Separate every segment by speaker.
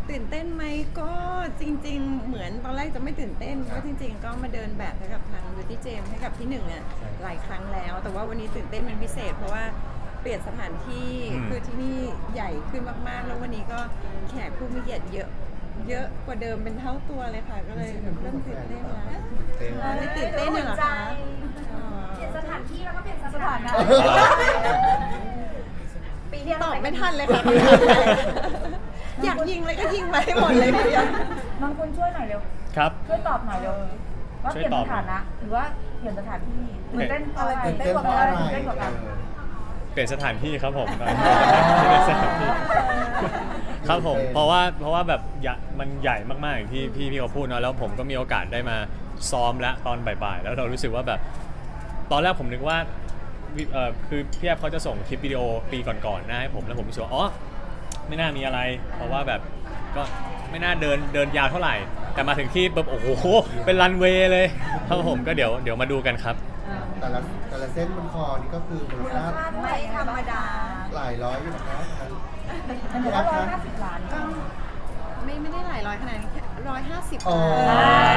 Speaker 1: ตื่นเต้นไหมก็จริงๆเหมือนตอนแรกจะไม่ตื่นเต้นเพราะจริงๆก็มาเดินแบบให้กับทาง Beauty James ให้กับพี่หนึ่งอ่ะหลายครั้งแล้ว แต่ว่าวันนี้ตื่นเต้นเป็นพิเศษเพราะว่าเปลี่ยนสถานที่คือที่นี่ใหญ่ขึ้นมากๆแล้ววันนี้ก็แขกผู้มีเกียรติเยอะกว่าเดิมเป็นเท่าตัวเลยค่ะก็เลยเริ่มตื่นเต้นแล้วไม่ตื่นเต้นเหรอคะ
Speaker 2: เปลี่ยนสถานที่แล้วก็เปลี่ยนสถานะปีที่
Speaker 1: ตอบไม่ทันเลยค่ะ อยากยิงเลยก็ยิงมาให้หมดเลยค่ะ
Speaker 3: น้องคุณช่วยหน่อยเร็ว
Speaker 4: ครับ
Speaker 3: ช่วยตอบหน่อยเร็วว่าเปลี่ยนสถานะหรือว่าเปลี่ยนสถานที่ตื่นเต้นอะไรตื่นเต้นกว่ากันตื่นเต้นกว่ากัน
Speaker 4: เปลี่ยนสถานที่ครับผมเปลี่ยนสถานที่ครับผมเพราะว่าแบบมันใหญ่มากๆอย่างที่พี่เขาพูดเนาะแล้วผมก็มีโอกาสได้มาซ้อมแล้วตอนบ่ายๆแล้วเรารู้สึกว่าแบบตอนแรกผมนึกว่าคือพี่แอฟเขาจะส่งคลิปวิดีโอปีก่อนๆนะให้ผมแล้วผมรู้สึกว่าอ๋อไม่น่ามีอะไรเพราะว่าแบบก็ไม่น่าเดินยาวเท่าไหร่แต่มาถึงที่แบบโอ้โหเป็นรันเวย์เลยครับผมก็เดี๋ยวมาดูกันครับ
Speaker 5: แต่ละเส้นบนคอนี่ก็คือมูลค่า
Speaker 2: ไม่ธรรมดา
Speaker 5: หลายร้อยอยู่นะครับ
Speaker 3: มันจะว่า150 ล้าน
Speaker 1: ก็ไม่ได้หลายร้อยขนาดนี้แค่150
Speaker 5: อ๋อ
Speaker 1: ค่ะ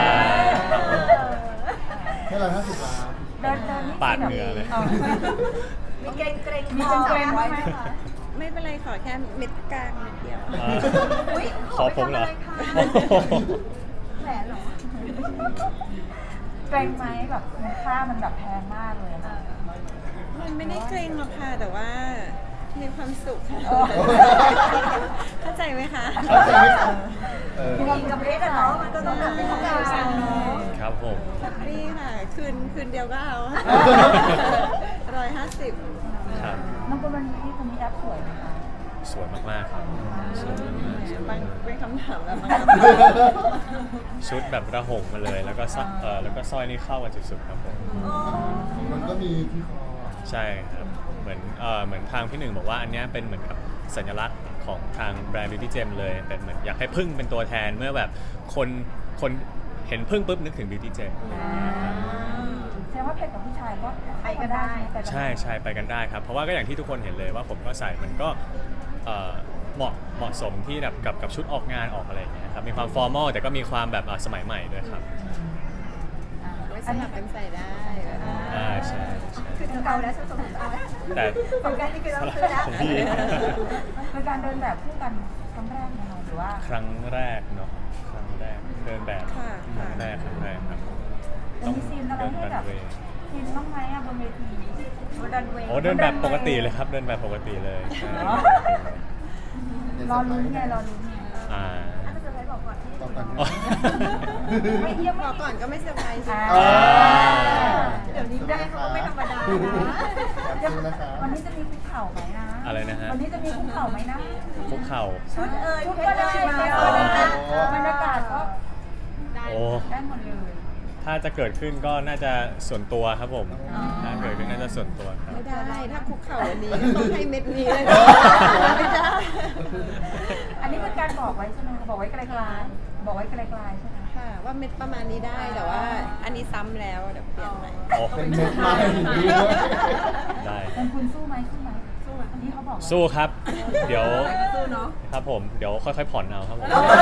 Speaker 5: แค่150 ล้าน
Speaker 3: เดินนี่
Speaker 4: ปาดเหงื่อเลย
Speaker 2: มีเกรงเกรง
Speaker 3: มีเกรงไว้ไหมคะ
Speaker 1: ไม่เป็นไรขอแค่เม็ดกลางนิดเดียว
Speaker 4: ขอผมเหรอ
Speaker 2: แหวนเหรอ
Speaker 3: เกรงไหมแบบมูลค่ามันแบบแพงมากเลยอะ
Speaker 1: มันไม่ได้เกรงหรอกค่ะแต่ว่ามีความสุขค่ะเข้าใจไหมคะ
Speaker 5: เข้าใจไหมครับ
Speaker 2: มีกับเพชรอะเนาะมันก็ต้องแบบเป็นของเราเนาะ
Speaker 4: ครับผม
Speaker 1: นี่ค่ะคืนเดียวก็เอา150
Speaker 4: ครับ
Speaker 3: น้องคุณวันนี้คุณมีแอปสวยไหมคะ
Speaker 4: สวยมากๆครับสวยมากๆ
Speaker 1: บางเป็นคำถามแบบบาง
Speaker 4: ชุดแบบระหงมาเลยแล้วก็แล้วก็สร้อยนี่เข้ากันสุดๆครับผม
Speaker 5: มันก็มีที่คอ
Speaker 4: ใช่ครับเหมือนทางพี่หนึ่งบอกว่าอันเนี้ยเป็นเหมือนกับสัญลักษณ์ของทางแบรนด์ Beauty Gem เลยเป็นเหมือนอยากให้พึ่งเป็นตัวแทนเมื่อแบบคนเห็นพึ่งปุ๊บนึกถึง Beauty Gem
Speaker 3: แสดงว่าเพชรกับผู้ชายก็ไปกันได้
Speaker 4: ใช่ไปกันได้ครับเพราะว่าก็อย่างที่ทุกคนเห็นเลยว่าผมก็ใส่มันก็เหมาะสมที่แบบกับชุดออกงานออกอะไรอย่างเงี้ยครับมีความฟอร์มอลแต่ก็มีความแบบสมัยใหม่ด้วยครับ
Speaker 1: ไว้สลับกันใส่ได้
Speaker 4: ใช่
Speaker 2: คือเก่าแล้วฉันสมมติเอา
Speaker 4: แต่
Speaker 2: ของการนี่คือเราซื้อแล้ว
Speaker 4: ของพี่
Speaker 3: เป็นการเดินแบบคู่กันครั้งแรกไหมคะหรือว่า
Speaker 4: ครั้งแรกเนาะครั้งแรกเดินแบบครั้งแรกครับ
Speaker 3: จะมีซีนอะไรให้แบบซีนบ้างไหมอะบนเวที
Speaker 2: โมดันเวย์
Speaker 4: โอ้เดินแบบปกติเลยครับเดินแบบปกติเลยใช่
Speaker 3: รอลุ้นไงรอลุ้นไง
Speaker 4: อ่า
Speaker 2: ถ้าจะไปบอกก่อนที่
Speaker 5: ต่อกัน
Speaker 4: อ๋อ
Speaker 3: ไม่เยี่ยม
Speaker 1: พอก่อนก็ไม่เซอร์ไพรส์
Speaker 2: เดี๋ยวนี้ได้เขาก็ไม่ธรรมดา
Speaker 5: ขอบ
Speaker 2: นะ
Speaker 5: คุณนะครับ
Speaker 3: วันนี้จะมีคุกเข่าไหมนะ
Speaker 4: อะไรนะฮะ
Speaker 3: วันนี้จะมีคุกเข่าไหมนะ
Speaker 4: คุกเข่า
Speaker 2: ชุดเอ่ย
Speaker 3: ชุด
Speaker 2: เพ
Speaker 3: ก็
Speaker 2: ชร
Speaker 3: ได้
Speaker 2: ชิมา
Speaker 3: แฟ
Speaker 2: ก็
Speaker 3: ชั่น
Speaker 2: ได้
Speaker 3: ก็ได้บรรยากาศก็
Speaker 4: โอ้
Speaker 3: ได้หมดเลย
Speaker 4: ถ้าจะเกิดขึ้นก็น่าจะส่วนตัวครับผมถ้าเกิดขึ้นน่าจะส่วนตัวครับ
Speaker 1: ไม่ได้ถ้าคุกเข่าวันนี้ต้องให้เม็ดนี้เลยไม่ได้
Speaker 3: อันนี้เป็นการบอกไว้ใช่ไหมคะบอกไว้ไกลๆบอกไว้ไกลๆใช่ไหม
Speaker 1: ค่ะว่าเม็ดประมาณนี้ได้แต่ว่าอันนี้ซ้ำแล้วเดี๋ยวเปลี่ยนใหม่
Speaker 4: โอ้
Speaker 5: เป็นเม็ดไม้ด้วย
Speaker 4: ได้
Speaker 3: เป็นคุณสู้ไหมสู้ไหมอันนี้เขาบอก
Speaker 4: สู้ครับ เดี๋ยว
Speaker 2: สู้เนาะ
Speaker 4: ครับผมเดี๋ยวค่อยๆผ่อนเอาครับผม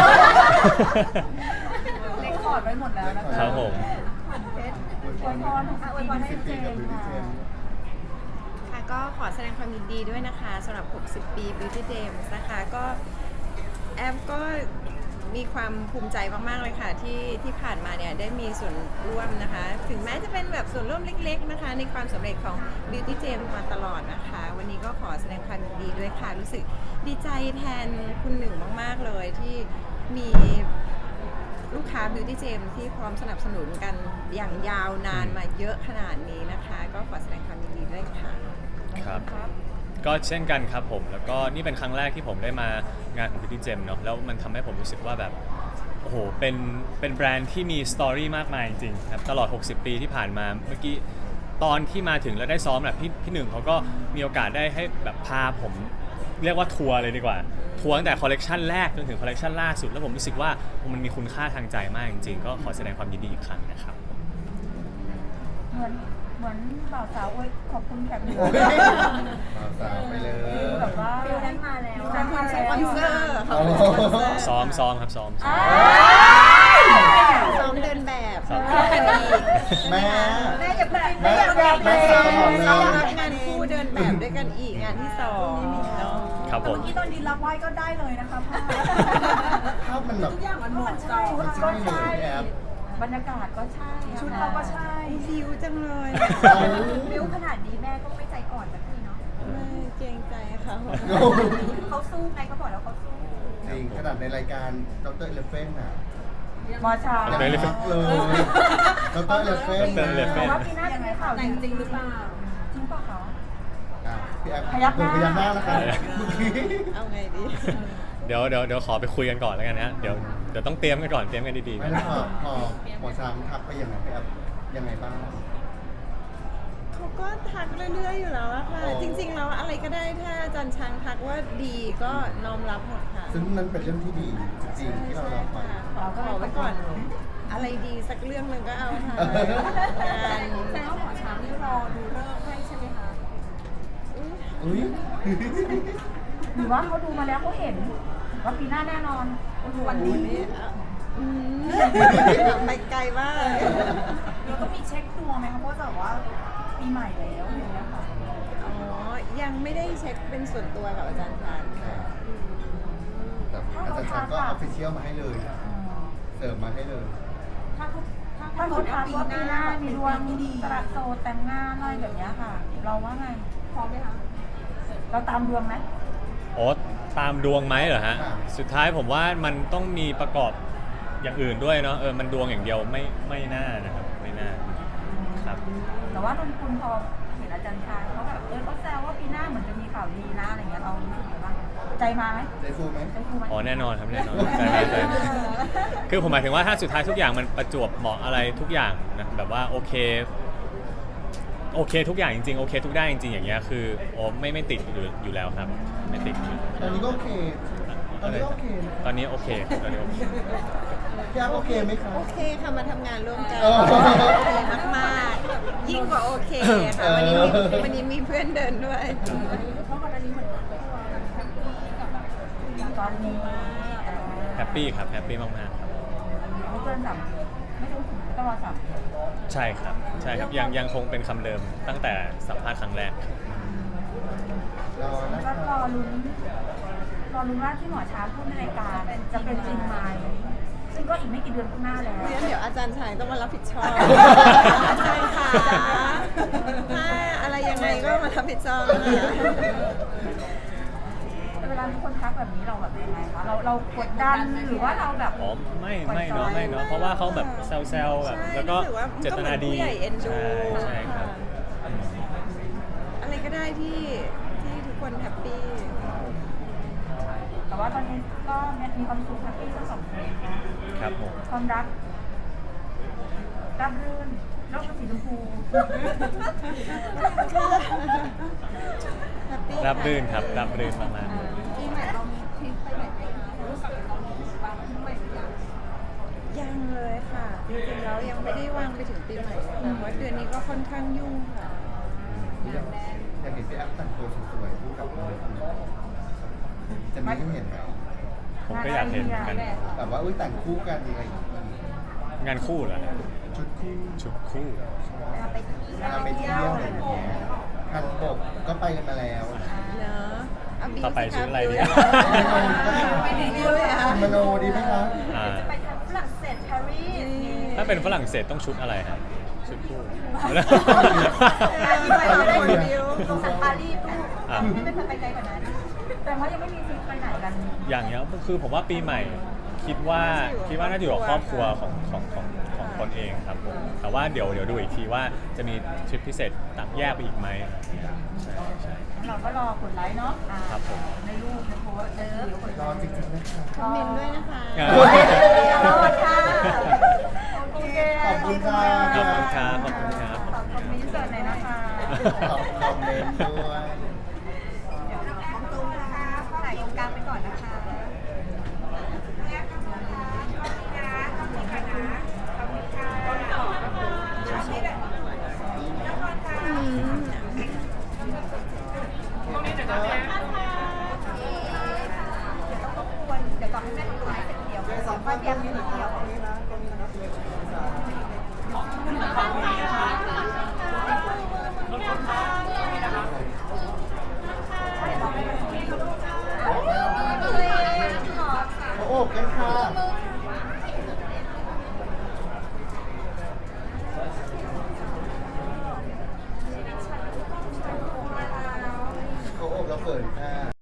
Speaker 3: เลคคอร์ดไว้หมดแล้วนะคะ
Speaker 4: ครับผม
Speaker 2: เพชร
Speaker 3: อวยพรอวยพรให้
Speaker 5: 10 ปี
Speaker 3: เจ
Speaker 5: กับ
Speaker 3: ม
Speaker 5: Beauty
Speaker 3: ค่ะ
Speaker 5: Gem
Speaker 1: ค่ะก็ขอแสดงความยินดีด้วยนะคะสำหรับ 60 ปี Beauty James นะคะก็แอฟก็มีความภูมิใจมากๆเลยค่ะที่ผ่านมาเนี่ยได้มีส่วนร่วมนะคะ ถึงแม้จะเป็นแบบส่วนร่วมเล็กๆนะคะ ในความสำเร็จของ Beauty James มาตลอดนะคะ วันนี้ก็ขอแสดงความยินดีด้วยค่ะ รู้สึกดีใจแทนคุณหนึ่งมากๆเลยที่มีลูกค้า Beauty James ที่พร้อมสนับสนุนกันอย่างยาวนานมาเยอะขนาดนี้นะคะ ก็ขอแสดงความยินดีด้วยค่ะ
Speaker 4: ครับก็เช่นกันครับผมแล้วก็นี่เป็นครั้งแรกที่ผมได้มางานของ Beauty Gem เนาะแล้วมันทำให้ผมรู้สึกว่าแบบโอ้โหเป็นแบรนด์ที่มีสตอรี่มากมายจริงๆครับตลอด 60 ปีที่ผ่านมาเมื่อกี้ตอนที่มาถึงแล้วได้ซ้อมแบบพี่หนึ่งเขาก็มีโอกาสได้ให้แบบพาผมเรียกว่าทัวร์เลยดีกว่าทัวร์ตั้งแต่คอลเลกชันแรกจนถึงคอลเลกชันล่าสุดแล้วผมรู้สึกว่ามันมีคุณค่าทางใจมากจริงๆก็ขอแสดงความยินดีอีกครั้งนะครับ
Speaker 3: เหมือนบ่าวสาวอวยขอบคุณแขกเหนือ
Speaker 5: สาวไปเลย
Speaker 3: แบบว่า
Speaker 2: ฟิลนั้นมาแล้ว
Speaker 3: ฟิลนั้นมาแล้ว
Speaker 1: สปอนเซอร์ค่ะเขาเป็นสปอนเซอร์
Speaker 4: ซ้อมครับซ้อม
Speaker 1: ซ้อมเดินแบบ
Speaker 4: ซ้อม
Speaker 1: กันอีก
Speaker 5: แม่
Speaker 2: แม่อย่าเพิ่ง
Speaker 5: แม่
Speaker 2: แม่อย่าเพิ่ง
Speaker 5: แม่
Speaker 1: ซ้อมรับงานคู่เดินแบบด้วยกันอีกงานที่สองเนาะ
Speaker 4: ครับผม
Speaker 3: เมื่อกี้ตอนดินรับไหว้ก็ได้เลยนะคะพ่อ
Speaker 5: ภาพมันแบบ
Speaker 2: ทุกอย่างมันเหมาะเจา
Speaker 5: มันใช่เลยแอป
Speaker 3: บรรยากาศก็ใช่
Speaker 2: ชุดเราก็ใช่
Speaker 1: ฟิวจังเลย
Speaker 5: เอา
Speaker 2: บิ้วขนาดนี้แม่ก็ไม่ใจอ่อนสักทีเนาะ
Speaker 1: ไม่เกรงใจเขา
Speaker 2: เขาสู้ไงเขาบอกแล้วเขาสู้
Speaker 5: จริงขนาดในรายการดรเอเลเฟนน่ะ
Speaker 3: มอชา
Speaker 5: ยัง
Speaker 4: Elephant
Speaker 5: ทักเลยดรเอเลเฟน
Speaker 4: Dr. Elephant
Speaker 3: แต่ว่าปีหน้าจะมีข่าว
Speaker 2: แต่งจริงหรือเปล่า
Speaker 3: จริงเปล่าคะ
Speaker 5: พี่แอป
Speaker 3: พยักหน้า
Speaker 5: พยักหน้าแล้วกันเมื่อกี้
Speaker 1: เอาไงดี
Speaker 4: เดี๋ยวขอไปคุยกันก่อนแล้วกันนะเดี๋ยวต้องเตรียมกันก่อนเตรียมกันดีๆ
Speaker 5: ไม่
Speaker 4: นะ
Speaker 5: แล้วพอหมอช้างทักไปยังไงพี่แอปยังไงบ้าง
Speaker 1: เขาก็ทักเรื่อยๆอยู่แล้วอะค่ะ
Speaker 5: อ๋อ
Speaker 1: จริงๆแล้วอะไรก็ได้ถ้าอาจารย์ช้างทักว่าดีก็น้อมรับหมดค่ะ
Speaker 5: ซึ่งนั่นเป็นเรื่องที่ดีจริงๆที่เรารับไป
Speaker 1: ขอไว้ก่อน อะไรดีสักเรื่องหนึ่งก็เอาค่ะงาน
Speaker 2: แต่ว่าหมอช้างนี่รอดูเลิกษ์ให้ใช่ไหมคะ
Speaker 5: อุ้ย
Speaker 3: หรือว่าเขาดูมาแล้วเขาเห็นว่าปีหน้าแน่นอนวันนี้
Speaker 1: อืมไปไกลมาก
Speaker 3: เราต้องมีเช็คดวงไหมคะเพราะแบบว่าปีใหม่แล้วอย่างเงี้ยค่ะ
Speaker 1: อ๋อ ยังไม่ได้เช็คเป็นส่วนตัวกับอาจารย์ช้างค่ะ
Speaker 5: แต่อาจารย์ช้างก็ออฟฟิเชียลมาให้เลยเสิร์ฟมาให้เลย
Speaker 3: ถ้าเขาทักว่าปีหน้ามีดวงสลัดโสดแต่งงานอะไรแบบเนี้ยค่ะ เราว่าไง
Speaker 2: พร้อมไหมคะ
Speaker 3: เราตามดวงไหม
Speaker 4: โอ้ตามดวงไหมเหรอฮะ
Speaker 5: ค่ะ
Speaker 4: สุดท้ายผมว่ามันต้องมีประกอบอย่างอื่นด้วยเนาะมันดวงอย่างเดียวไม่น่านะครับไม่น่าครับ
Speaker 3: แต่ว่านนคุณพอเห็นอาจารย์ชายเขาแบบเขาแซวว่าปีหน้าเหมือนจะมีข่าวดีนะอะไรเงี้ยเรารู้สึกยังไงบ้างใจมาไหม
Speaker 5: ใจฟูไหม
Speaker 3: ใจฟูไหม
Speaker 4: อ๋อแน่นอนครับแน่นอนใช่ใช่คือผมหมายถึงว่าถ้าสุดท้ายทุกอย่างมันประจวบเหมาะอะไรทุกอย่างนะแบบว่าโอเคทุกอย่างจริงๆโอเคทุกด้านจริงๆอย่างเงี้ยคือโอ้ไม่ติดอยู่แล้วครับไม่ติดอยู่
Speaker 5: ตอนนี้ก็โอเค ตอนนี้ก็โอเคนะ
Speaker 4: ตอนนี้โอเคตอนนี้โอเค
Speaker 5: พี่แอปโอเคไหมคะ
Speaker 1: โอเคค่ะมาทำงานร่วมกัน
Speaker 5: เออ
Speaker 1: โอเคมากๆ ยิ่งกว่าโอเคค่ะ วันนี้มีเพื่อนเดินด้วย
Speaker 2: เพราะก่อนหน้านี้เหมือนตัวแฮปปี้กับแบบ
Speaker 3: ตอนนี้
Speaker 4: แฮปปี้ครับแฮปปี้มากๆครับ
Speaker 3: ไม่เกิน3 เดือนไม่ต้องถึงไม่ต้องรอ3 เดือน
Speaker 4: ใช่ครับยังคงเป็นคำเดิมตั้งแต่สัมภาษณ์ครั้งแรก
Speaker 5: รอนะ
Speaker 3: แล้ว
Speaker 5: คะ
Speaker 3: รอลุ้นว่าที่หมอช้างพูดในรายการจะเป็นจริงไหมซึ่งก็อีกไม่กี่เดือนข้างหน้าแล้ว
Speaker 1: เดี๋ยวอาจารย์ชายต้องมารับผิดชอบ อาจารย์ค่ะถ้าอะไรยังไงก็มารับผิดชอบนะคะ
Speaker 3: เวลามีคนทักแบบนี้เราแบบยังไงคะเรากดดันหรือว่าเราแบบ
Speaker 4: อ๋อไม่เนาะเพราะว่าเขาแบบแซวๆแบบแล้วก็เจตนาดี
Speaker 1: ผู้ใหญ่เอ็นดู
Speaker 4: ใช่ครับ
Speaker 1: อะไรก็ได้ที่ทุกคนแฮปปี้
Speaker 3: แต่ว่าตอนนี้ก็มีความสุขแฮปปี้ทั้งสองคนนะครับ
Speaker 4: ผม
Speaker 3: ความรักราบรื่นโลกเป็นสีชมพู
Speaker 1: แฮปปี้
Speaker 4: รับรื่นครับรับรื่นมาก
Speaker 2: ปีใหม่เรามีทริปไปไหนไปรู้กับเราบ้างปีใหม่หรือยัง
Speaker 1: ยังเลยค่ะ จริงๆแล้วยังไม่ได้วางไปถึงปีใหม่เลยค่ะเพราะเดือนนี้ก็ค่อนข้างยุ่งค่ะ
Speaker 5: อยากเห็นพี่แอปแต่งตัวสวยๆคู่กับน้องคนนี้จะมีให้เห็นไหม
Speaker 4: ๆผมก็อยากเห็นเหมือนกัน
Speaker 5: แบบว่าอุ้ยแต่งคู่กันอะไรอย่างเงี้ย
Speaker 4: งานคู่เหรอ
Speaker 5: ชุดคู่
Speaker 4: ชุดคู่
Speaker 2: เวลาไปเที่ยว
Speaker 5: เวลาไปเที่ยวอะไรอย่างเงี้ยคันบกก็ไปกันมาแล้ว
Speaker 1: เนอะเอาบิว
Speaker 4: ต่อไป
Speaker 1: สิค
Speaker 4: ชุดอะไรดี
Speaker 1: ไปไหนดีเลยอ่ะ
Speaker 5: มโนดีไหมคะ
Speaker 4: อ่า
Speaker 2: จะไปทางฝรั่งเศสปารีส
Speaker 4: ถ้าเป็นฝรั่งเศสต้องชุดอะไรฮะชุดคู่
Speaker 2: ที่ไปเราได้บิวตรงสันปารีสลูก
Speaker 4: อ่ะ
Speaker 2: ไม่เป็นไปไกลกว่านั้น
Speaker 3: แต่ว่ายังไม่มีทริปไปไหนกัน
Speaker 4: อย่างเงี้ยคือผมว่าปีใหม่คิดว่าน่าจะอยู่กับครอบครัวของตนเองครับผมแต่ว่าเดี๋ยวดูอีกทีว่าจะมีทริปพิเศษต่างแยกไปอีกไหมใช่
Speaker 3: เราก็รอกดไลค์เนาะ
Speaker 4: ครับผม
Speaker 3: ในรูปในโพสต์เดี๋ยวกด
Speaker 5: ร
Speaker 3: ไล
Speaker 5: อ
Speaker 3: ค์
Speaker 5: จริงๆนะคะ
Speaker 1: คอมเมนต์ด้วยนะคะ
Speaker 3: รอค่ะโอเค
Speaker 5: ขอบคุณค่ะ
Speaker 4: ขอบคุณครับขอบคุณครับ
Speaker 3: ขอบคุณมินเสิร์ตหน่อยนะคะ
Speaker 5: ขอบคอมเมนต์ด้วย
Speaker 2: เดี๋ยวน้องแอมตรงนะคะถ่ายตรงกลางไปก่อนนะคะ
Speaker 5: เ
Speaker 3: ค่อยเตรียมนิดเดียว
Speaker 5: เขาโอบกันค่ะเขาโอบแล้วเปิดค่ะ